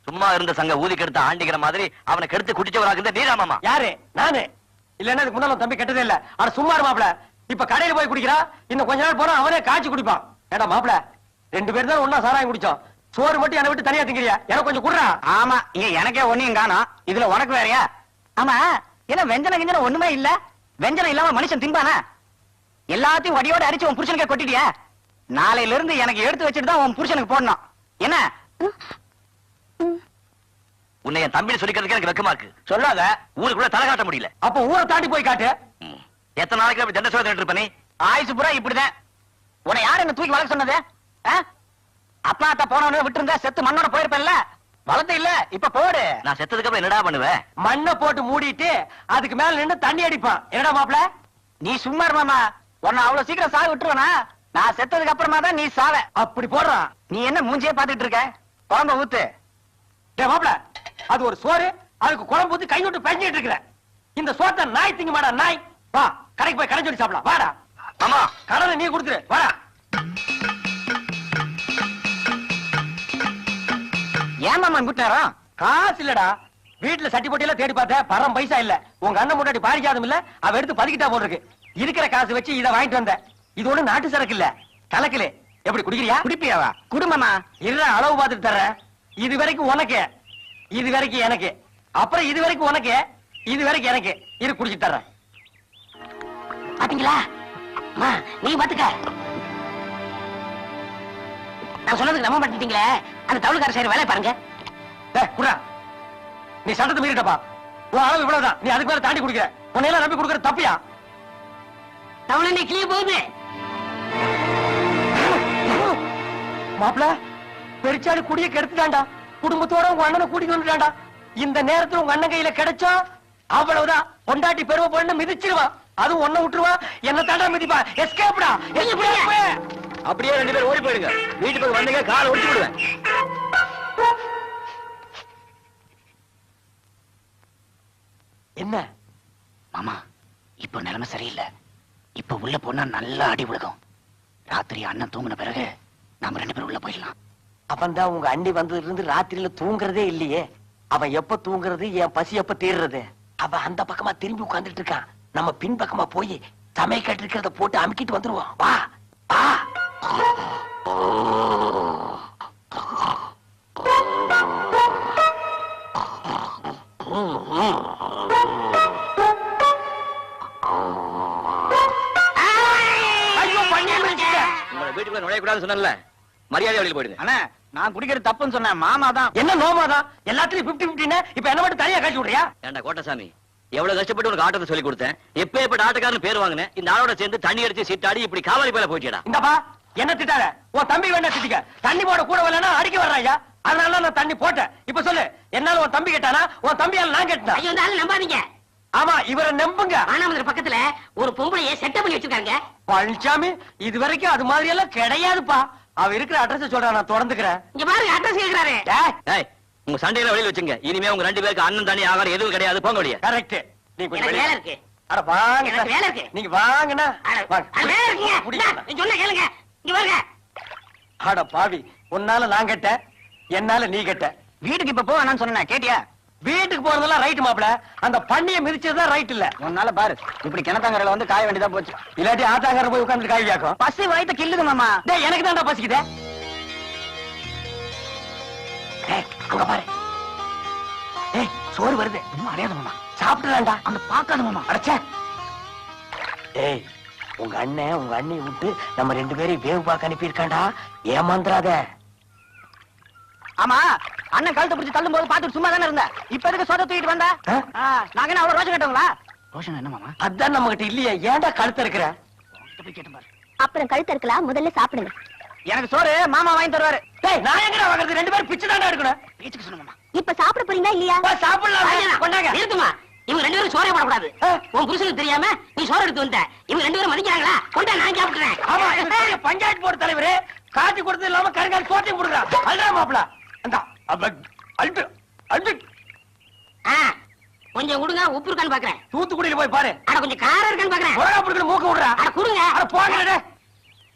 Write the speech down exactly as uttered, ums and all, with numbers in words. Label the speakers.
Speaker 1: சும்மா இருந்த சங்க ஊதி கெடுத்த ஆண்டிக்கிற மாதிரி அவனை கெடுத்து குடிச்சவராக இருந்த நீரா மாமா.
Speaker 2: யாரு? நானு. இல்லன்னா இதுக்கு முன்னால தம்பி கெட்டதே இல்ல. ஆனா சும்மா இரு மாப்ள. இப்ப கடையில போய் குடிக்கிறா, இன்னும் கொஞ்ச நாள் போனா அவனே காய்ச்சி குடிப்பான். ஏடா மாப்ள, ரெண்டு பேரும் தான் ஒன்னா சாராயம் குடிச்சோம். சோறு மட்டும் என்னை விட்டு தனியா திங்கிறியா? எனக்கு கொஞ்சம் குடுறா.
Speaker 3: ஆமா, இங்க எனக்கே ஒண்ணையும் காணோம், இதுல உனக்கு வேறயா? ஆமா, என்ன வெஞ்சன கிஞ்சன ஒண்ணுமே இல்ல? வெஞ்சனம் இல்லாம மனுஷன் திம்பானா? எல்லாத்தையும் வடியோட அரிச்சு உன் புருஷனுக்கே கொட்டிட்டியா? நாளையில இருந்து எனக்கு எடுத்து வச்சுட்டு தான் உன் புருஷனுக்கு போடணும். என்ன
Speaker 1: உன்னை என் தம்பி சொல்லிக்கிறதுக்கு எனக்கு வெக்கமா இருக்கு.
Speaker 3: சொல்லாத.
Speaker 1: ஊருக்குள்ள தலை காட்ட முடியல.
Speaker 2: அப்ப ஊரை தாண்டி போய் காட்டு.
Speaker 1: எத்தனை நாளைக்கு அப்படி தண்ட சோதனை இருப்ப நீ?
Speaker 3: ஆயுசு பூரா இப்படிதான். உன்னை யாரு என்ன தூக்கி வளர்க்க சொன்னது? அப்பா அத்தா போனவனு விட்டு இருந்தா செத்து மண்ணோட போயிருப்பேன்ல. வளர்த்து இல்ல, இப்ப போடு.
Speaker 1: நான் செத்ததுக்கு அப்புறம் என்னடா பண்ணுவேன்?
Speaker 2: மண்ணை போட்டு மூடிட்டு அதுக்கு மேல நின்று தண்ணி அடிப்பான். என்னடா மாப்ள?
Speaker 3: நீ சும்மா இரு மாமா. உன்னை அவ்வளவு சீக்கிரம் சாக விட்டுருவனா? நான் செத்ததுக்கு அப்புறமா தான் நீ சாவ.
Speaker 2: அப்படி போடுறான்.
Speaker 3: நீ என்ன மூஞ்சியே பாத்துட்டு இருக்க? குழம்ப ஊத்து.
Speaker 2: டேய் மாப்ள, அது ஒரு சோறு, அதுக்கு குழம்பு ஊத்தி கை விட்டு பெஞ்சிட்டு இருக்கிற. இந்த சோத்தை நாய் திங்க மாடா நாய். வா கடைக்கு போய் கடை சொல்லி சாப்பிடலாம். வாடா
Speaker 1: மாமா.
Speaker 2: கடனை நீ கொடுத்துரு. வாடா.
Speaker 3: ஏன் மாமா கூட்டினாரா?
Speaker 2: காசு இல்லடா. வீட்டுல சட்டி போட்டி எல்லாம் தேடி பார்த்த பரம் பைசா இல்ல. உங்க அண்ணன் முன்னாடி பாரிக்காதும் இல்ல, அவ எடுத்து பதுக்கிட்டா போட்டிருக்கு. இருக்கிற காசு வச்சு இதை வாங்கிட்டு வந்த. இது ஒண்ணு நாட்டு சரக்கு இல்ல, கலக்கல. எப்படி குடிக்கிறியா?
Speaker 3: குடிப்பியாவா? குடும்பமா
Speaker 2: இருற அளவு பார்த்துட்டு தர்றேன். இது வரைக்கும் உனக்கு, இது வரைக்கும் எனக்கு, அப்புறம் இது வரைக்கும் உனக்கு, இது வரைக்கும் எனக்கு. இரு குடிச்சிட்டு தர்றேன்.
Speaker 3: பாத்தீங்களா? நீ பாத்துக்க. நான் சொன்னதுக்கு நம்ப மாட்டீங்களே. அந்த தவுளுக்கார சைடு வேலை பாருங்க.
Speaker 2: டேய் குடா, நீ சட்டத்தை மீறிட்டப்பா. உன் அளவு இவ்வளவுதான், நீ அதுக்கு மேல தாண்டி குடிக்கிற. உன்னையெல்லாம் நம்பி கொடுக்கற தப்பியா?
Speaker 3: தவுளை நீ கிளிய போகுது.
Speaker 2: மாப்பிள, பெருச்சாடு குடிய கெடுத்துட்டான்டா. குடும்பத்தோட உங்க அண்ணனை கூட்டிட்டு வந்துட்டான்டா. இந்த நேரத்துல உங்க அண்ணன் கையில கிடைச்சா அவ்வளவுதான். பொண்டாட்டி பெருமை பொண்ணு மிதிச்சிருவான். அதுவும் ஒன்ன விட்டுருவா, என்ன தாண்டா மிதிப்பா. எஸ்கேப்டா.
Speaker 1: அப்படியே ரெண்டு பேரும் ஓடி போயிடுங்க. வீட்டு பக்கம் வந்தீங்க காலை ஒடிச்சு விடுவேன்.
Speaker 2: என்ன
Speaker 3: மாமா, இப்ப நிலைமை சரியில்லை. இப்ப உள்ள போனா நல்லா அடி விழுகும். ராத்திரி அண்ணன் தூங்கின பிறகு நாம ரெண்டு பேரும் உள்ள போயிடலாம்.
Speaker 2: அவன் தான் உங்க அண்ணி வந்ததுல இருந்து ராத்திரியில தூங்குறதே இல்லையே. அவன் எப்ப தூங்குறது, என் பசி எப்ப தீர்றது? அவன் அந்த பக்கமா திரும்பி உட்கார்ந்துட்டு இருக்கான். நம்ம பின் பக்கமா போய் சமையல் இருக்கிறத போட்டு அமுக்கிட்டு வந்துருவோம். வா வா.
Speaker 1: வீட்டுக்குள்ள நுழையக்கூடாது சொன்னல, மரியாதை வழியில் போயிடுங்க.
Speaker 3: அண்ணா, நான் குடிக்கிறது தப்புன்னு சொன்னேன். மாமா தான்.
Speaker 2: என்ன நோமாதான்? எல்லாத்துலயும் பிப்டி பிப்டின்னு இப்ப என்ன மட்டும் தனியா காட்டி விடுறியா?
Speaker 1: ஏண்டா கோட்டசாமி, எவ்வளவு கஷ்டப்பட்டு உனக்கு ஆட்டத்தை சொல்லி கொடுத்தேன். எப்ப எப்ப ஆட்டக்காரன் பேர் வாங்கினேன். இந்த ஆளோட சேர்ந்து தண்ணி அடிச்சு சீட்டாடி இப்படி காவாலி பேல போயிட்டா.
Speaker 2: இந்தப்பா என்ன திட்டாத. உன் தம்பி வேணா திட்டிக்க. தண்ணி போட கூட வரலன்னா அடிக்க வர்றாயா? அதனால நான் தண்ணி போட்டேன். இப்ப சொல்லு, என்னால உன் தம்பி கேட்டானா? உன் தம்பியால நான் கேட்டேன்.
Speaker 3: ஐயோ, இந்த ஆளு நம்பாதீங்க.
Speaker 2: ஆமா, இவரை நம்புங்க.
Speaker 3: ஆனாமதுரை பக்கத்துல ஒரு பொம்பளைய செட்டப் பண்ணி வச்சிருக்காங்க.
Speaker 2: பழனிசாமி, இது வரைக்கும் அது மாதிரி எல்லாம் கிடையாதுப்பா. அவ இருக்கிற அட்ரஸ் சொல்றா, நான் தொடர்ந்துக்கிறேன்.
Speaker 3: இங்க பாருங்க, அட்ரஸ் கேக்குறாரு.
Speaker 1: ஏய், உங்க சண்டையில வெளியில வச்சுங்க. இனிமே உங்க ரெண்டு பேருக்கு அண்ணன் தண்ணி ஆகாரம் எதுவும் கிடையாது. போங்க வெளியே.
Speaker 2: கரெக்ட். நீ கொஞ்சம்
Speaker 3: வேலை இருக்கு.
Speaker 2: அட வாங்க.
Speaker 3: எனக்கு வேலை இருக்கு.
Speaker 2: நீங்க வாங்கண்ணா.
Speaker 3: வேலை இருக்குங்க. சொன்ன கேளுங்க. இங்க பாருங்க.
Speaker 2: அட பாவி, உன்னால நான் கேட்ட, என்னால நீ கேட்ட.
Speaker 3: வீட்டுக்கு இப்ப போ வேணாம்னு சொன்னேன், கேட்டியா?
Speaker 2: வீட்டுக்கு போறதெல்லாம் ரைட் மாப்ள. அந்த பண்ணியை மிதிச்சதுதான் ரைட் இல்ல.
Speaker 3: உன்னால பாரு, இப்படி கிணத்தாங்கரையில வந்து காய வேண்டியதா போச்சு.
Speaker 2: இல்லாட்டி ஆத்தாங்கரை போய் உட்கார்ந்து காய் வியாக்கும்.
Speaker 3: பசி வயித்த கில்லுது மாமா.
Speaker 2: டேய், எனக்கு தான்டா பசிக்குதே. டேய், அங்க பாரு. டேய், சோறு வருது.
Speaker 3: இன்னும் அடையாத மாமா.
Speaker 2: சாப்பிட்டுலாம்டா.
Speaker 3: அந்த பாக்காத மாமா.
Speaker 2: அடச்சே. டேய், உங்க அண்ணன் உங்க அண்ணியை விட்டு நம்ம ரெண்டு பேரையும் வேவு பார்க்க அனுப்பி இருக்காண்டா. ஏமாந்துராத.
Speaker 3: ஆமா, அண்ணன் கழுத்தை பிடிச்சு தள்ளும் போது பாத்துட்டு சும்மா தானே இருந்த. இப்ப எதுக்கு சோத தூக்கிட்டு வந்த? நாங்க என்ன அவ்வளவு ரோஷம் கேட்டவங்களா? ரோஷன் என்ன மாமா?
Speaker 2: அதான் நம்ம கிட்ட இல்லையே, ஏன்டா கழுத்த இருக்கிற?
Speaker 4: அப்புறம் கழுத்து இருக்கலாம், முதல்ல சாப்பிடுங்க.
Speaker 3: எனக்கு சோறு மாமா வாங்கி தருவாரு.
Speaker 2: டேய், நான் எங்கடா வாங்குறது? ரெண்டு பேரும் பிச்சை தானே எடுக்கணும்.
Speaker 3: பேச்சுக்கு சொன்ன மாமா.
Speaker 4: இப்ப சாப்பிட போறீங்களா இல்லையா?
Speaker 2: சாப்பிடலாம். கொண்டாங்க.
Speaker 3: இருக்குமா, இவங்க ரெண்டு பேரும் சோறே போடக்கூடாது. உன் புருஷனுக்கு தெரியாம நீ சோறு எடுத்து வந்த. இவங்க ரெண்டு பேரும் மதிக்கிறாங்களா? கொண்டா, நான் சாப்பிடுறேன்.
Speaker 2: ஆமா, பஞ்சாயத்து போர்டு தலைவரே காட்டி கொடுத்து இல்லாம கருங்கால் சோத்தையும் கொடுக்குறா. அல்றா மாப்பிள. அந்த அல்பு அல்பு
Speaker 3: கொஞ்சம் கொடுங்க, உப்பு இருக்கான்னு பாக்குறேன்.
Speaker 2: தூத்துக்குடியில போய் பாரு.
Speaker 3: அட கொஞ்சம் காரம் இருக்கான்னு பாக்குறேன்.
Speaker 2: மிளகா பிடிக்கிற மூக்க விடுறா.
Speaker 3: அட கொடுங்க.
Speaker 2: அட போங்க.